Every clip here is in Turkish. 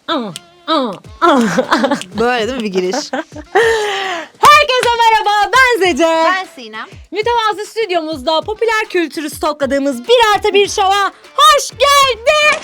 Böyle değil mi bir giriş? Herkese merhaba, ben Zece. Ben Sinem. Mütevazı stüdyomuzda popüler kültürü stokladığımız 1+1 şova hoş geldiniz.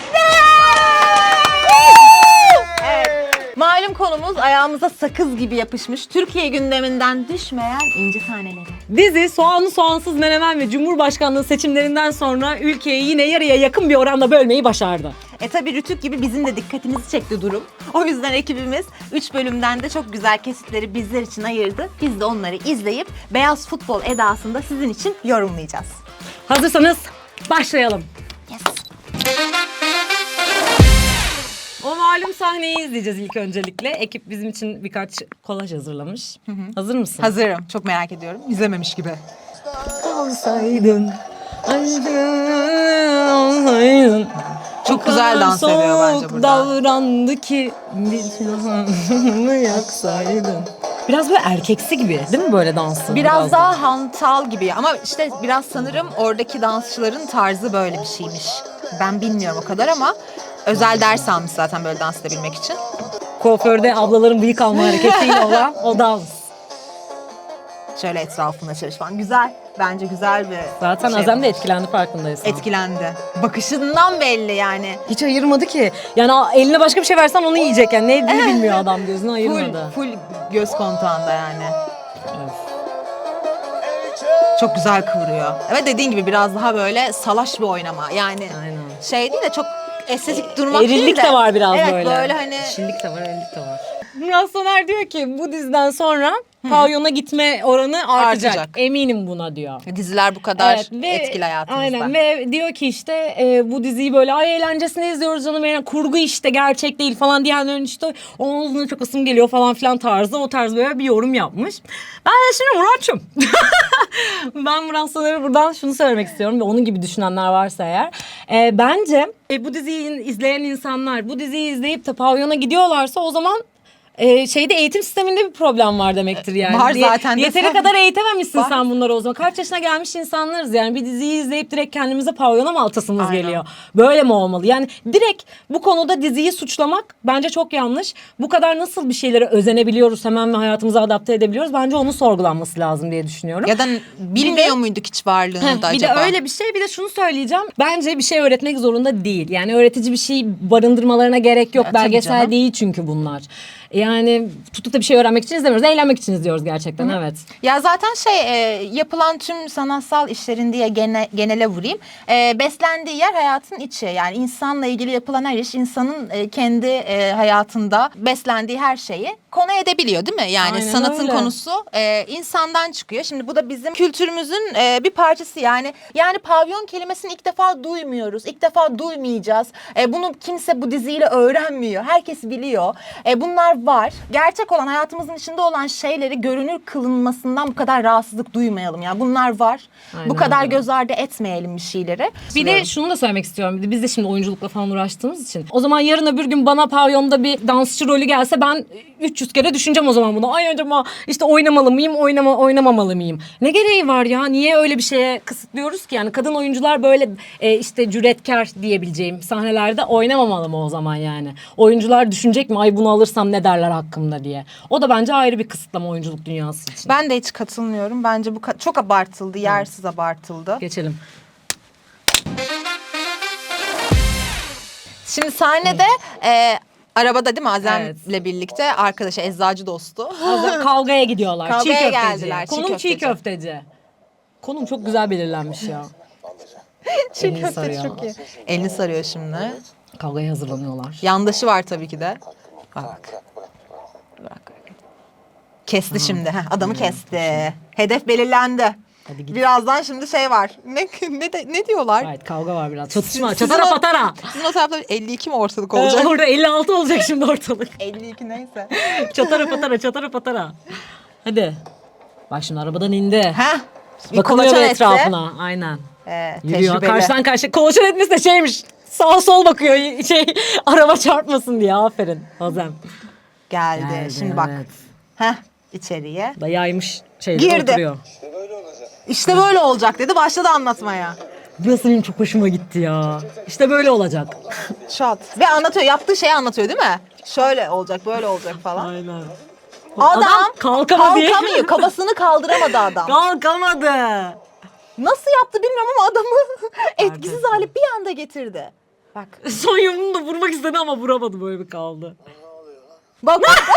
Evet. Malum konumuz ayağımıza sakız gibi yapışmış, Türkiye gündeminden düşmeyen inci taneleri. Dizi soğanlı soğansız menemen ve Cumhurbaşkanlığı seçimlerinden sonra ülkeyi yine yarıya yakın bir oranda bölmeyi başardı. Tabi Rütük gibi bizim de dikkatimizi çekti durum. O yüzden ekibimiz 3 bölümden de çok güzel kesitleri bizler için ayırdı. Biz de onları izleyip beyaz futbol edasında sizin için yorumlayacağız. Hazırsanız başlayalım. Yes. O malum sahneyi izleyeceğiz ilk öncelikle. Ekip bizim için birkaç kolaj hazırlamış. Hazır mısın? Hazırım. Çok merak ediyorum. İzlememiş gibi. Olsaydın, olsaydın. Çok güzel dans ediyor bence burada. Davrandı ki bir silahını yaksaydın. Biraz böyle erkeksi gibi değil mi böyle dansı? Biraz daha hantal gibi ama işte biraz sanırım oradaki dansçıların tarzı böyle bir şeymiş. Ben bilmiyorum o kadar ama özel ders almış zaten böyle dans edebilmek için. Kuaförde ablaların bıyık alma hareketiyle olan o dans. Şöyle etrafında çalış falan. Güzel. Bence güzel bir Zaten şey Azem de yapmış. etkilendi farkındaysan. Etkilendi. Bakışından belli yani. Hiç ayırmadı ki. Yani eline başka bir şey versen onu yiyecek yani. Ne yediğini bilmiyor adam, gözünü ayırmadı. Full göz kontağında yani. Evet. Çok güzel kıvırıyor. Evet dediğin gibi biraz daha böyle salaş bir oynama. Yani Aynen. şey değil de çok estetik durmak değil de. Erillik de var biraz evet, böyle. Evet böyle hani. Dişillik de var, erillik de var. Murat Soner diyor ki bu diziden sonra pavyona gitme oranı artacak. Eminim buna diyor. Diziler bu kadar ve etkili hayatımızda. Aynen ve diyor ki işte bu diziyi böyle ay eğlencesine izliyoruz canım yani kurgu işte gerçek değil falan diyenlerin işte ağzına çok ısım geliyor falan filan tarzı o tarz böyle bir yorum yapmış. Ben de şimdi Murat'cığım. Ben Murat Soner'e buradan şunu söylemek istiyorum ve onun gibi düşünenler varsa eğer. Bence bu diziyi izleyen insanlar bu diziyi izleyip de pavyona gidiyorlarsa o zaman şeyde eğitim sisteminde bir problem var demektir yani. Var zaten de Yeteri sen- kadar eğitememişsin Var. sen bunları o zaman. Kaç yaşına gelmiş insanlarız yani. Bir diziyi izleyip direkt kendimize pavyona mı altasımız Aynen. geliyor? Böyle mi olmalı? Yani direkt bu konuda diziyi suçlamak bence çok yanlış. Bu kadar nasıl bir şeylere özenebiliyoruz hemen ve hayatımıza adapte edebiliyoruz? Bence onun sorgulanması lazım diye düşünüyorum. Ya da bilmiyor muyduk hiç varlığını da Bir acaba? de öyle bir şey, bir de şunu söyleyeceğim. Bence bir şey öğretmek zorunda değil. Yani öğretici bir şey barındırmalarına gerek yok. Ya, tabii Belgesel canım. değil çünkü bunlar. Yani tutup da bir şey öğrenmek için izlemiyoruz. Eğlenmek için izliyoruz gerçekten, evet. Ya zaten yapılan tüm sanatsal işlerin diye genele vurayım. Beslendiği yer hayatın içi. Yani insanla ilgili yapılan her iş insanın kendi hayatında beslendiği her şeyi konu edebiliyor değil mi? Yani Aynen sanatın öyle. konusu insandan çıkıyor. Şimdi bu da bizim kültürümüzün bir parçası yani. Yani pavyon kelimesini ilk defa duymuyoruz. İlk defa duymayacağız. Bunu kimse bu diziyle öğrenmiyor. Herkes biliyor. Bunlar var. Gerçek olan hayatımızın içinde olan şeyleri görünür kılınmasından bu kadar rahatsızlık duymayalım. Yani bunlar var. Aynen Bu kadar öyle. göz ardı etmeyelim bir şeyleri. Bir de şunu da söylemek istiyorum. Bir de biz de şimdi oyunculukla falan uğraştığımız için. O zaman yarın öbür gün bana pavyonda bir dansçı rolü gelse ben 300 kere düşüneceğim o zaman bunu. Ay acaba işte oynamalı mıyım, oynamamalı mıyım? Ne gereği var ya? Niye öyle bir şeye kısıtlıyoruz ki? Yani kadın oyuncular böyle işte cüretkar diyebileceğim sahnelerde oynamamalı mı o zaman yani? Oyuncular düşünecek mi? Ay bunu alırsam ne derler hakkımda diye. O da bence ayrı bir kısıtlama oyunculuk dünyası için. Ben de hiç katılmıyorum. Bence bu çok abartıldı, yersiz abartıldı. Geçelim. Şimdi sahnede arabada değil mi Azem'le Evet. birlikte arkadaşı eczacı dostu. Kavgaya gidiyorlar. Kavgaya çiğ köfteci. geldiler, çiğ Konum çiğ köfteci. köfteci. Konum çok güzel belirlenmiş ya. Çiğ Elini köftesi sarıyor. çok iyi. Elini sarıyor şimdi. Kavgaya hazırlanıyorlar. Yandaşı var tabii ki de. Bak. Bak. Kesti şimdi. Adamı kesti. Hedef belirlendi. Hadi git. Birazdan şimdi şey var. Ne diyorlar? Evet, kavga var biraz. Çatışma. Sizin Çatara o- patara. Sizin o tarafta 52 mi ortalık olacak? Orada 56 olacak şimdi ortalık. 52 neyse. Çatara patara, çatara patara. Hadi. Bak şimdi arabadan indi. Heh. Bir Bakınıyor kolaçan bir etse. etrafına. Aynen. Yürüyor. Tecrübeli. Karşıdan karşıya. Kolaçan etmesi de şeymiş. Sağa sol bakıyor. Araba çarpmasın diye. Aferin. Azem. Geldi. Şimdi bak. Evet. Heh. İçeriye. Da yaymış şeyleri Girdi. oturuyor. İşte böyle olacak dedi. Başladı anlatmaya. Burası benim çok hoşuma gitti ya. İşte böyle olacak. Şat. Ve anlatıyor. Yaptığı şeyi anlatıyor değil mi? Şöyle olacak, böyle olacak falan. Aynen. Adam kalkamadı. kalkamıyor. Kafasını kaldıramadı adam. Kalkamadı. Nasıl yaptı bilmiyorum ama adamı etkisiz hale bir anda getirdi. Bak. Son yumruğunu da vurmak istedi ama vuramadı, böyle bir kaldı. Bak.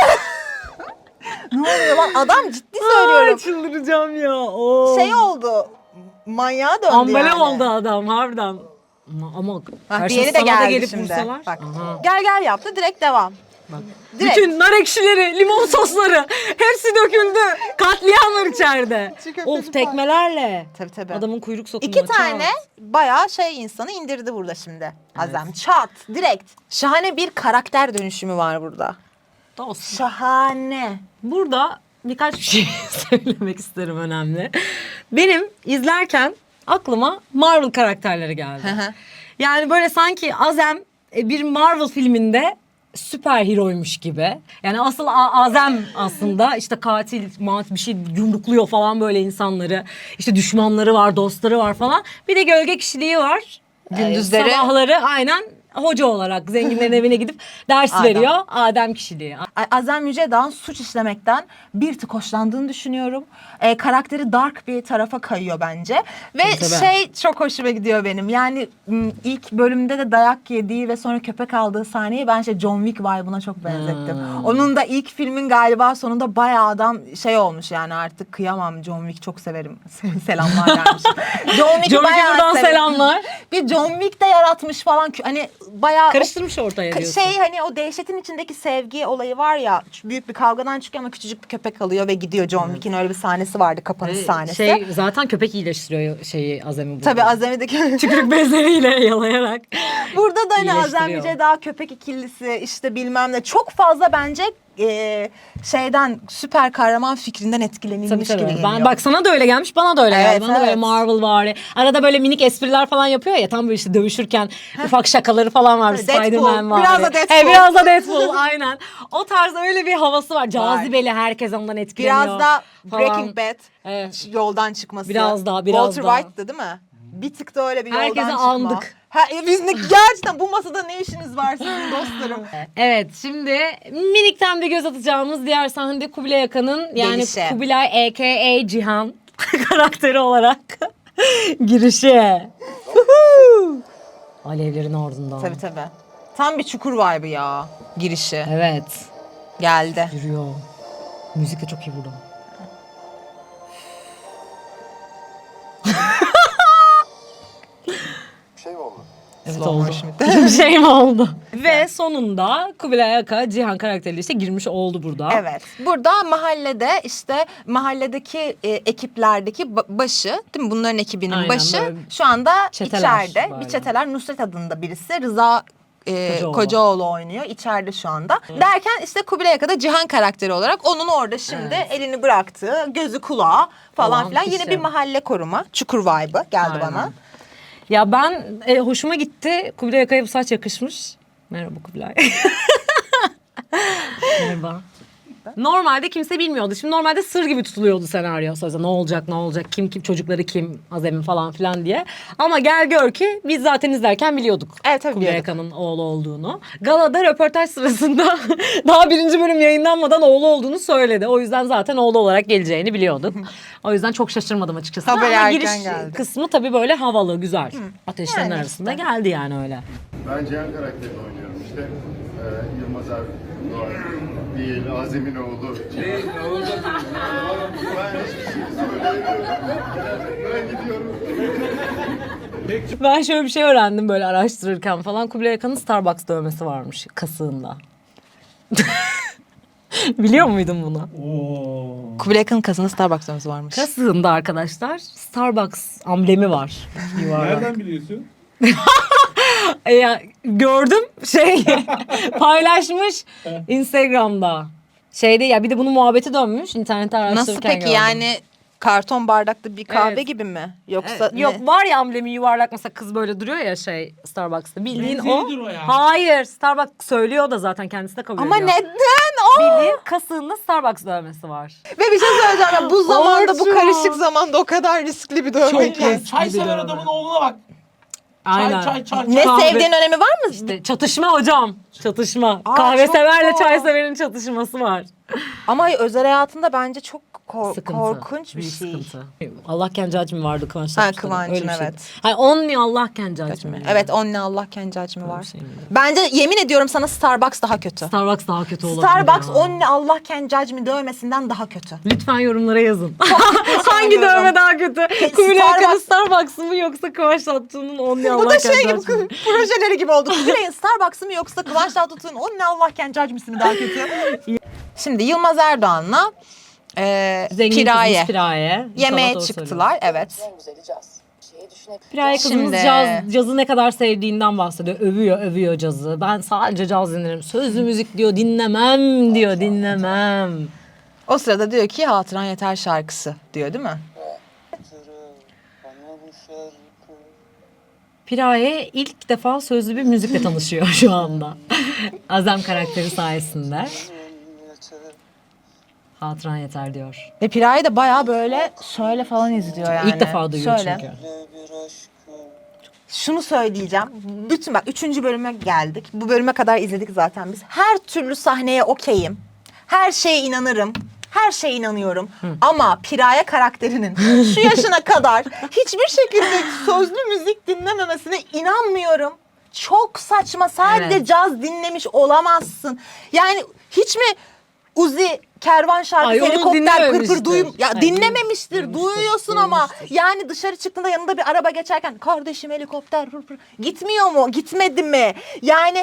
Ne oluyor lan? Adam ciddi söylüyorum. Ay, çıldıracağım ya. Oo. Şey oldu. Manyağa döndü Ambale yani. oldu adam harbiden. Ama Ha, karşına diğeri de sana da geldi gelip şimdi. vursalar. Bak. Aha. Gel yaptı direkt devam. Bak. Direkt. Bütün nar ekşileri, limon sosları hepsi döküldü. Katliam var içeride. Çiğ köfteci Of, tekmelerle. Tabii. Adamın kuyruk sokumu. İki tane bayağı şey insanı indirdi burada şimdi. Azem. Çat. Direkt. Şahane bir karakter dönüşümü var burada. Olsun. Şahane. Burada birkaç bir şey söylemek isterim, önemli. Benim izlerken aklıma Marvel karakterleri geldi. Hı hı. Yani böyle sanki Azem bir Marvel filminde süper heroymuş gibi. Yani asıl Azem aslında işte katil, bir şey yumrukluyor falan böyle insanları. İşte düşmanları var, dostları var falan. Bir de gölge kişiliği var. Gündüzleri- Sabahları aynen hoca olarak zenginlerin evine gidip ders Adem. veriyor. Adem kişiliği. Azem Yücedağ'ın suç işlemekten bir tık hoşlandığını düşünüyorum. Karakteri dark bir tarafa kayıyor bence. Ve Tabii. şey çok hoşuma gidiyor benim. Yani ilk bölümde de dayak yediği ve sonra köpek aldığı sahneyi ben John Wick vibe'ına çok benzettim. Onun da ilk filmin galiba sonunda bayağı adam şey olmuş yani, artık kıyamam, John Wick çok severim. Selamlar gelmiş. John Wick'i John bayağı buradan severim. selamlar. Bir John Wick de yaratmış falan. Hani bayağı Karıştırmış ortaya diyorsun. şey, hani o dehşetin içindeki sevgi olayı var ya, büyük bir kavgadan çıkıyor ama küçücük bir köpek alıyor ve gidiyor. John Wick'in öyle bir sahnesi vardı, kapanış sahnesi. Şey, zaten köpek iyileştiriyor şeyi, Azem'i burada. Tabii Azemi'deki Tükürük bezleriyle yalayarak. burada da hani Azem İyileştiriyor. Yücedağ köpek ikilisi işte bilmem ne çok fazla bence şeyden, süper kahraman fikrinden etkilenilmiş gibi geliyor. Ben, bak sana da öyle gelmiş, bana da öyle Evet, geldi. Bana da böyle evet. Marvel var. Arada böyle minik espriler falan yapıyor ya, tam böyle işte dövüşürken ufak şakaları falan var. Deadpool, Spider-Man var. biraz da Deadpool. Biraz da Deadpool aynen. O tarz öyle bir havası var. Cazibeli, herkes ondan etkileniyor. Biraz da falan. Breaking Bad Evet. yoldan çıkması. Biraz daha. Walter White'dı değil mi? Bir tık da öyle bir yoldan Herkese çıkma. andık. Biz de gerçekten bu masada ne işiniz var sizin dostlarım? Evet, şimdi minikten bir göz atacağımız diğer sahnede Kubilay Akan'ın, yani Gelişi. Kubilay a.k.a. Cihan karakteri olarak girişi. Alevlerin ardından. Tabii. Tam bir çukur vibe'ı ya girişi. Evet. Geldi. Yürüyor. Müzik de çok iyi burada. Şey mi oldu? Evet, Slow oldu. motion. Bir şey mi oldu? Ve sonunda Kubilay Aka Cihan karakteriyle işte girmiş oldu burada. Evet. Burada mahallede işte mahalledeki ekiplerdeki başı, değil mi? Bunların ekibinin Aynen, başı böyle şu anda çeteler içeride. böyle. Bir çeteler, Nusret adında birisi, Rıza Kocaoğlu. Kocaoğlu oynuyor içeride şu anda. Derken işte Kubilay Aka'da Cihan karakteri olarak onun orada şimdi elini bıraktığı, gözü kulağı falan Olan filan. kişi. Yine bir mahalle koruma, çukur vibe'ı geldi Aynen. bana. Ya ben hoşuma gitti. Kubilay Aka'ya bu saç yakışmış. Merhaba Kubilay. Merhaba. Normalde kimse bilmiyordu. Şimdi normalde sır gibi tutuluyordu senaryo. Sözde ne olacak, kim çocukları kim, Azem'in falan filan diye. Ama gel gör ki biz zaten izlerken biliyorduk. Evet, tabii Kubilay biliyorduk. Akan'ın oğlu olduğunu. Galada röportaj sırasında daha 1. bölüm yayınlanmadan oğlu olduğunu söyledi. O yüzden zaten oğlu olarak geleceğini biliyorduk. O yüzden çok şaşırmadım açıkçası. Haberi Ama erken giriş geldi. kısmı tabii böyle havalı, güzel. Ateşlerin Yani arasında işte. geldi yani öyle. Ben Cihan karakterini oynuyorum işte. Yılmaz abi Doğan değil, Azem'in oğlu. Ben hiçbir şey söyleyemiyorum. Ben gidiyorum. Ben şöyle bir şey öğrendim böyle araştırırken falan. Kubilay Akan'ın Starbucks dövmesi varmış kasığında. Biliyor muydun bunu? Kubilay Aka'nın kasında Starbucks dönmesi varmış. Kasığında arkadaşlar Starbucks amblemi var. Yuvarlak. Nereden biliyorsun? Ya, gördüm paylaşmış Instagram'da. Ya bir de bunun muhabbeti dönmüş internette araştırırken Nasıl peki gördüm. yani karton bardakta bir kahve Evet. gibi mi? Yoksa Yok, ne? var ya amblemi yuvarlak, mesela kız böyle duruyor ya Starbucks'ta. Bildiğin o. Benzeridir o ya. Hayır, Starbucks söylüyor da zaten kendisi de kabul Ama ediyor. neden? bilir kasığında Starbucks dövmesi var. Ve bir şey söyleyeceğim. Ya, bu zamanda, bu Orçun. karışık zamanda o kadar riskli bir dövme Çok ki. riskli. Çay Bir sever dövme. adamın oğluna bak. Aynen. Çay. Ne Kahve. sevdiğin önemi var mı? İşte çatışma hocam. Çatışma. Aa, Kahve çok severle doğru. çay severin çatışması var. Ama özel hayatında bence çok Sıkıntı. korkunç bir Büyük şey. sıkıntı. Allah Kencacım vardı Kıvanç Ha, Tatlıtuğ'da. Kıvancım, Öyle bir şeydi. evet. Hayır only Allah Kencacım. Evet, onunla Allah kendi acımı var. şey miydi? Bence yemin ediyorum sana Starbucks daha kötü. Starbucks daha kötü olabilir Starbucks ya. only Allah kendi acımı dövmesinden daha kötü. Lütfen yorumlara yazın. Hangi söylüyorum. dövme daha kötü? Kubilay Starbucks- Akan'ın Starbucks'ı mı yoksa Kıvanç Tatlıtuğ'un only Allah Bu da şey gibi, Kencacım mı? projeleri gibi oldu. Kubilay'ın Starbucks'ı mı yoksa Kıvanç Tatlıtuğ'un only Allah kendi acımı mı daha kötü? Şimdi Yılmaz Erdoğan'la Zengin Piraye kızımız Piraye. yemeğe İnşallah doğru çıktılar. Evet. En güzeli caz. Şeyi düşünebilirim. Piraye kızımız Şimdi- cazı ne kadar sevdiğinden bahsediyor. Övüyor cazı. Ben sadece caz dinlerim. Sözlü müzik diyor dinlemem diyor dinlemem. O sırada diyor ki Hatıran Yeter şarkısı diyor değil mi? Piraye ilk defa sözlü bir müzikle tanışıyor şu anda. Azem karakteri sayesinde. Hatıran yeter diyor. Ve Piraye de bayağı böyle şöyle falan izliyor yani. İlk defa duyuyor Şöyle. çünkü. Şunu söyleyeceğim. Bütün bak 3. bölüme geldik. Bu bölüme kadar izledik zaten biz. Her türlü sahneye okeyim. Her şeye inanırım. Her şeye inanıyorum. Ama Piraye karakterinin şu yaşına kadar hiçbir şekilde sözlü müzik dinlememesine inanmıyorum. Çok saçma. Sadece Evet. caz dinlemiş olamazsın. Yani hiç mi Uzi kervan şarkısı, Ay, onu helikopter pır pır dinlememiştir. Ya Ay, dinlememiştir. Duyuyorsun ama yani dışarı çıktığında yanında bir araba geçerken kardeşim helikopter pır pır gitmiyor mu? Gitmedi mi? Yani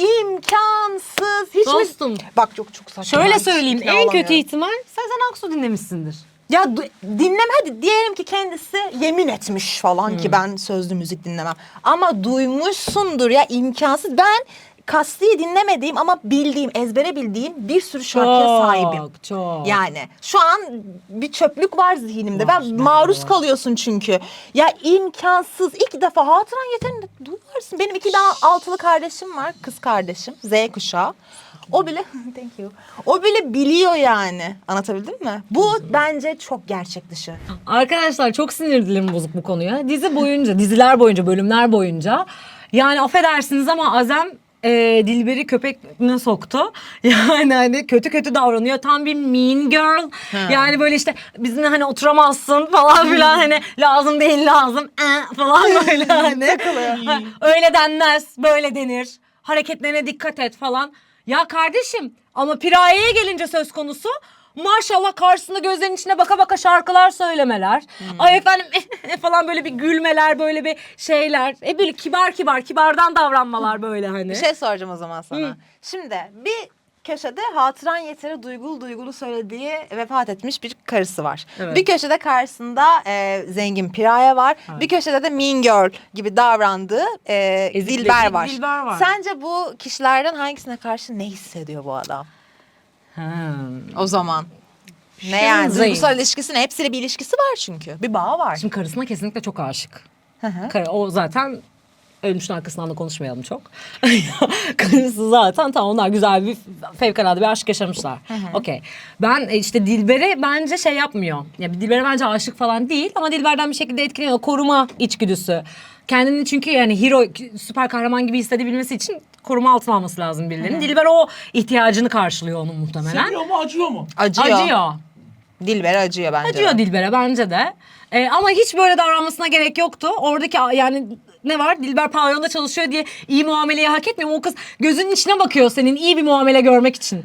imkansız. Hiç Dostum. mi? Bak çok saçma. Şöyle Hiç söyleyeyim ikna en kötü olamıyorum. ihtimal Sezen Aksu dinlemişsindir. Ya dinleme hadi diyelim ki kendisi yemin etmiş falan ki ben sözlü müzik dinlemem. Ama duymuşsundur ya imkansız. Ben Kasti'yi dinlemediğim ama bildiğim, ezbere bildiğim bir sürü şarkıya sahibim. Çok. Yani şu an bir çöplük var zihnimde. Var, Ben maruz kalıyorsun çünkü. Ya imkansız. İlk defa Hatıran Yeter'ini duyarsın. Benim 2 daha altılı kardeşim var. Kız kardeşim. Z kuşağı. O bile thank you. O bile biliyor yani. Anlatabildim mi? Bu bence çok gerçek dışı. Arkadaşlar çok sinir dilim bozuk bu konuya. Diziler boyunca, bölümler boyunca. Yani affedersiniz ama Azem Dilber'i köpeğine soktu. Yani hani kötü davranıyor. Tam bir mean girl. Yani böyle işte bizimle hani oturamazsın falan filan hani lazım değil lazım falan böyle hani. Ha, öyle denmez, böyle denir. Hareketlerine dikkat et falan. Ya kardeşim ama Piraye'ye gelince söz konusu maşallah karşısında gözlerinin içine baka baka şarkılar söylemeler. Ay efendim falan böyle bir gülmeler böyle bir şeyler. Böyle kibardan davranmalar böyle hani. Bir şey soracağım o zaman sana. Şimdi bir köşede Hatıran Yeter'i duygulu söylediği vefat etmiş bir karısı var. Evet. Bir köşede karşısında zengin Piraye var. Bir köşede de Mean Girl gibi davrandığı Ezikleyici Dilber var. Dilber var. Sence bu kişilerden hangisine karşı ne hissediyor bu adam? O zaman. Ne yani? Zayıf. Duygusal ilişkisi ne? Hepsiyle bir ilişkisi var çünkü. Bir bağı var. Şimdi karısına kesinlikle çok aşık. hı. O zaten ölmüşün arkasından da konuşmayalım çok. Karısı zaten tamam onlar güzel bir fevkalade bir aşk yaşamışlar. Okey. Ben işte Dilber'e bence şey yapmıyor. Ya Dilber'e bence aşık falan değil ama Dilber'den bir şekilde etkileniyor. Koruma içgüdüsü. Kendini çünkü yani hero, süper kahraman gibi hissedebilmesi için koruma altına alması lazım birilerinin. Dilber o ihtiyacını karşılıyor onun muhtemelen. Seviyor mu acıyor mu? Acıyor. Dilber acıyor bence. Acıyor Dilber'e bence de. Ama hiç böyle davranmasına gerek yoktu. Oradaki yani ne var? Dilber pavyonda çalışıyor diye iyi muameleyi hak etmiyor mu? O kız gözünün içine bakıyor senin iyi bir muamele görmek için.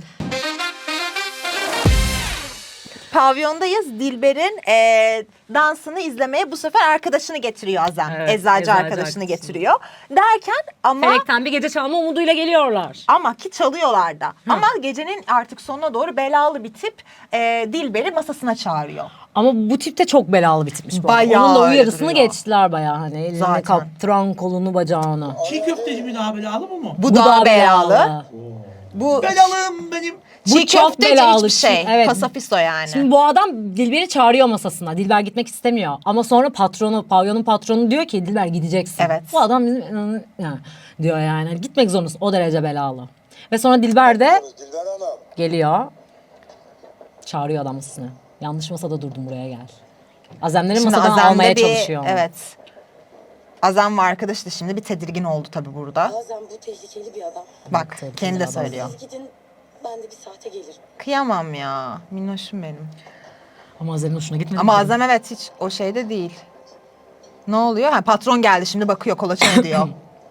Pavyondayız. Dilber'in dansını izlemeye bu sefer arkadaşını getiriyor Azem. Evet, eczacı eczacı arkadaşını arkadaşını. getiriyor. Derken ama Felekten bir gece çalma umuduyla geliyorlar. ama ki çalıyorlar da. Ama gecenin artık sonuna doğru belalı bir tip Dilber'i masasına çağırıyor. Ama bu tip de çok belalı bitmiş bu arada. Bayağı Onun da öyle uyarısını duruyor. geçtiler bayağı hani. Elini Zaten. kaptıran kolunu bacağını. Çiğ köfteci mi daha belalı mı? Bu daha belalı. Bu Belalım benim. çiğ çok köfteci belalı. hiçbir şey. Evet. Pasafisto yani. Şimdi bu adam Dilber'i çağırıyor masasına. Dilber gitmek istemiyor. Ama sonra pavyonun patronu diyor ki Dilber gideceksin. Evet. Bu adam bizim diyor yani. Gitmek zorundasın. O derece belalı. Ve sonra Dilber de Dilber Hanım. Geliyor. Çağırıyor adam masasına. Yanlış masada durdum, buraya gel. Azemleri masadan Azem'de almaya bir- çalışıyor. Evet. Azem ve arkadaşı da şimdi bir tedirgin oldu tabii burada. Bazen bu tehlikeli bir adam. Bak tehlikeli kendi de adam. söylüyor. Siz gidin, ben de bir saate gelirim. Kıyamam ya. Minnoşum benim. Ama Azem'in hoşuna gitmedi. Ama mi? Azem evet hiç o şeyde değil. Ne oluyor? Ha, patron geldi şimdi bakıyor kolaçan ediyor.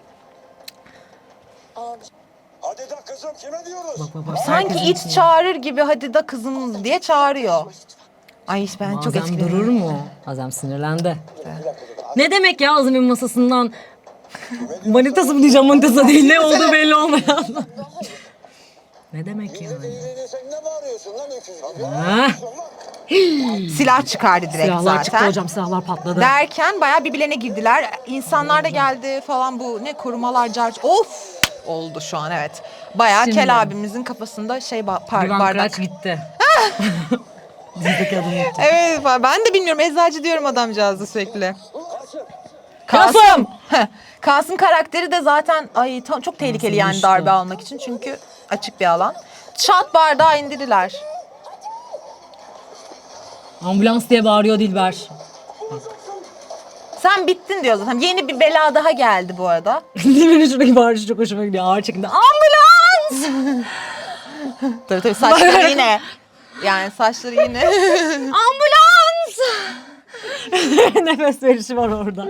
Abi Hadi de kızım kime diyoruz? Bak, bak. Sanki Herkesin it içinde. çağırır gibi hadi da kızım diye çağırıyor. Ay ben Ama çok Azem etkileniyorum. durur mu? Azem sinirlendi. Ne demek ya Azem'in masasından manitası mı diyeceğim, manitası değil, ne olduğu belli olmayan. Ne demek yani? Sen ne bağırıyorsun lan öküz gibi? Ha? Silah çıkardı direkt Silahlar zaten. çıktı hocam, silahlar patladı. Derken bayağı birbirlerine girdiler. İnsanlar da geldi falan, bu ne korumalar carç. Of oldu şu an evet. Bayağı Şimdi. Kel abimizin kafasında şey Güven bardak. Kıraç gitti. Dizideki adım gitti. Evet ben de bilmiyorum, eczacı diyorum adamcağızı sürekli. Kasım! Heh, Kasım karakteri de zaten ay çok tehlikeli yani işte. darbe almak için çünkü açık bir alan. Çat bardağı indirirler. Ambulans diye bağırıyor Dilber. Sen bittin diyor zaten. Yeni bir bela daha geldi bu arada. Dilber'in şuradaki bağırışı çok hoşuma gidiyor. Ağır çekimde. Ambulans! Tabii saçları yine. Yani saçları yine. Ambulans! Nefes verişi var orada.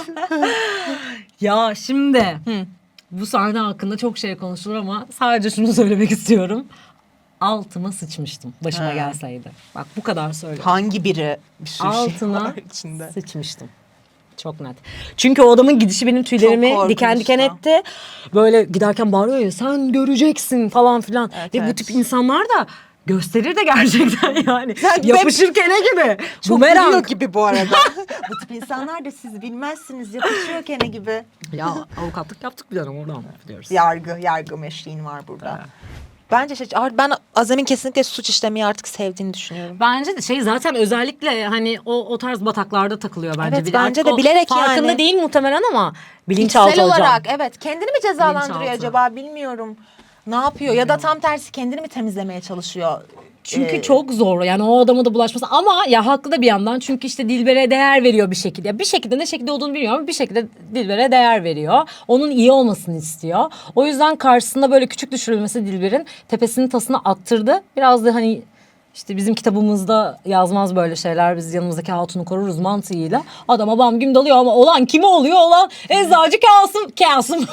Ya şimdi bu sahne hakkında çok şey konuşulur ama sadece şunu söylemek istiyorum. Altıma sıçmıştım başıma gelseydi. Bak bu kadar söylüyorum. Hangi biri bir sürü şey Altına var içinde. sıçmıştım. Çok net. Çünkü o adamın gidişi benim tüylerimi Çok korkunç diken diken ya. etti. Böyle giderken bağırıyor ya, sen göreceksin falan filan. Evet, Ve bu evet. tip insanlar da gösterir de gerçekten yani. Sen- Yapışır kene gibi. Çok Bumerang. biliyor gibi bu arada. Bu tip insanlar da siz bilmezsiniz, yapışıyor kene gibi. Ya avukatlık yaptık bir dönem, oradan biliyoruz. Yargı meşriğin var burada. Bence ben Azem'in kesinlikle suç işlemeyi artık sevdiğini düşünüyorum. Bence de şey zaten özellikle hani o tarz bataklarda takılıyor bence. Evet, Bir de bence artık de o bilerek farkında yani. değil muhtemelen ama bilinçaltı İçsel hocam. olarak evet. Kendini mi cezalandırıyor Bilinçaltı. acaba bilmiyorum. Ne yapıyor? Ya da tam tersi kendini mi temizlemeye çalışıyor? Çünkü çok zor yani o adama da bulaşması, ama ya haklı da bir yandan, çünkü işte Dilber'e değer veriyor bir şekilde. Ya bir şekilde, ne şekilde olduğunu bilmiyorum ama bir şekilde Dilber'e değer veriyor. Onun iyi olmasını istiyor. O yüzden karşısında böyle küçük düşürülmesi Dilber'in tepesinin tasını attırdı. Biraz da hani işte bizim kitabımızda yazmaz böyle şeyler, biz yanımızdaki hatunu koruruz mantığıyla. Adama bam güm dalıyor ama olan kime oluyor? Olan eczacı Kasım.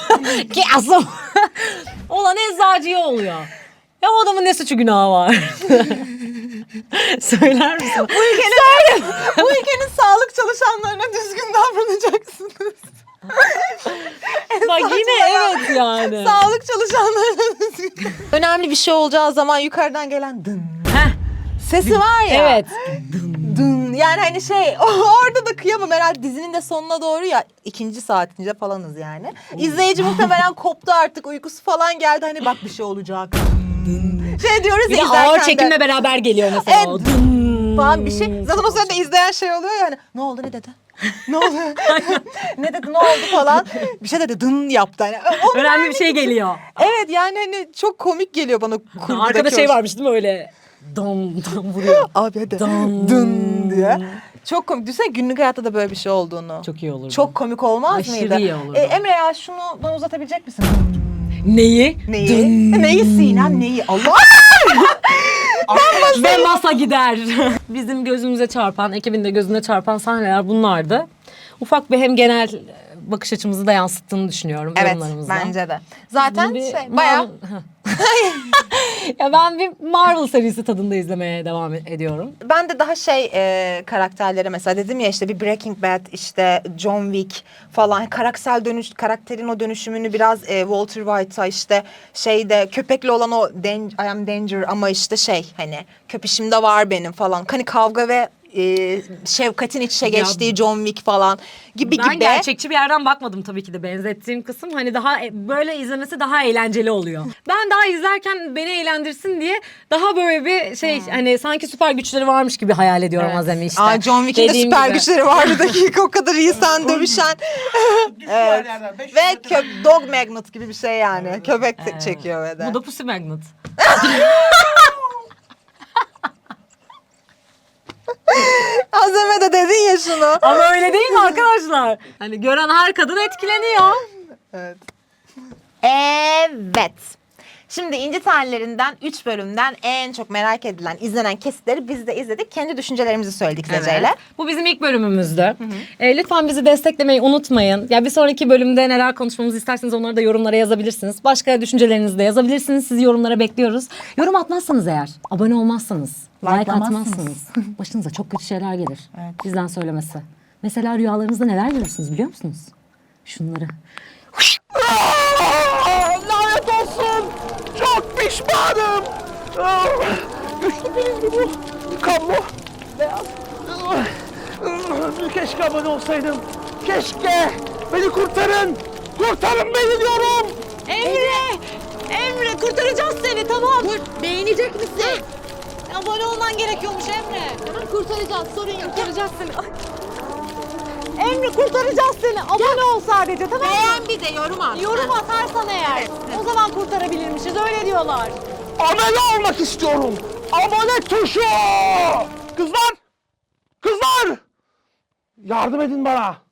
Olan eczacıya oluyor. Ya o adamın ne suçu günahı var? Söyler misin? Bu ülkenin sağlık çalışanlarına düzgün davranacaksınız. Bak yine evet yani. Sağlık çalışanlarına düzgün. Önemli bir şey olacağı zaman yukarıdan gelen dın Heh, sesi var ya. evet. Dın. Yani hani şey orada da kıyamam herhalde, dizinin de sonuna doğru ya, 2. saatinde falanız yani. İzleyici muhtemelen koptu artık, uykusu falan geldi, hani bak bir şey olacak. Şey diyoruz Bir ya de izlerken ağır de. çekimle beraber geliyor mesela. Evet, o. Falan bir şey. Zaten o sırada izleyen şey oluyor yani. Ne oldu, ne dedi? Ne oldu? Ne dedi, ne oldu falan. Bir şey dedi, dın yaptı. Hani, onun Önemli bir şey geliyor. evet yani hani çok komik geliyor bana. Arkada şey varmış değil mi öyle? Dam dam vuruyor. Abi hadi. Dın. Dın diye. Çok komik. Düşünsene günlük hayatta da böyle bir şey olduğunu. Çok iyi olurdu. Çok komik olmaz Aşırı mıydı? iyi olurdu. Emre ya şunu bana uzatabilecek misin? Neyi? Neyi? Neyi Sinem, neyi? Allah! Ve masa gider. Bizim gözümüze çarpan, ekibin de gözüne çarpan sahneler bunlardı. Ufak bir hem genel bakış açımızı da yansıttığını düşünüyorum Evet yorumlarımızda. bence de. Zaten Bir şey bayağı Marvel- ya ben bir Marvel serisi tadında izlemeye devam ediyorum. ben de daha şey karakterlere mesela dedim ya, işte bir Breaking Bad, işte John Wick falan, karakterin o dönüşümünü biraz Walter White'a, işte şeyde köpekle olan o I am danger ama işte şey hani köpeşimde var benim falan. Hani kavga ve Şefkat'in iç içe geçtiği John Wick falan gibi Ben gibi. gerçekçi bir yerden bakmadım tabii ki de benzettiğim kısım. Hani daha böyle izlemesi daha eğlenceli oluyor. Ben daha izlerken beni eğlendirsin diye daha böyle bir şey hani sanki süper güçleri varmış gibi hayal ediyorum Azem'i işte. Aa, John Wick'in de Dediğim süper gibi. güçleri var bir dakika o kadar insan dövüşen. Düşüyor her yerden. 500 Ve metre. dog magnet gibi bir şey yani. Köpek çekiyor ve de. Bu da Pussy Magnet. Azeme de dedin ya şunu. Ama öyle değil mi arkadaşlar? Hani gören her kadın etkileniyor. Evet. Evet. Şimdi İnci Tanelerinden 3 bölümden en çok merak edilen, izlenen kesitleri biz de izledik. Kendi düşüncelerimizi söyledik Zece'yle. Bu bizim ilk bölümümüzdü. Lütfen bizi desteklemeyi unutmayın. Ya bir sonraki bölümde neler konuşmamızı isterseniz onları da yorumlara yazabilirsiniz. Başka düşüncelerinizi de yazabilirsiniz. Sizi yorumlara bekliyoruz. Yorum atmazsanız eğer, abone olmazsanız, like atmazsanız başınıza çok kötü şeyler gelir. Bizden söylemesi. Mesela rüyalarınızda neler görürsünüz biliyor musunuz? Şunları. Lanet olsun. Çok pişmanım. Güçlü bilindi bu. Kan bu. Beyaz. Keşke abone olsaydım. Keşke. Beni kurtarın. Kurtarın beni diyorum. Emre kurtaracağız seni tamam. Beğenecek misin? Abone olman gerekiyormuş Emre. Tamam kurtaracağız sorun yok. Kurtaracağız seni. Emre kurtaracağız seni. Abone ol sadece tamam mı? Beğen bir de yorum at. Yorum atarsan eğer o zaman kurtarabilirmişiz öyle diyorlar. Abone olmak istiyorum. Abone tuşu. Kızlar. Kızlar. Yardım edin bana.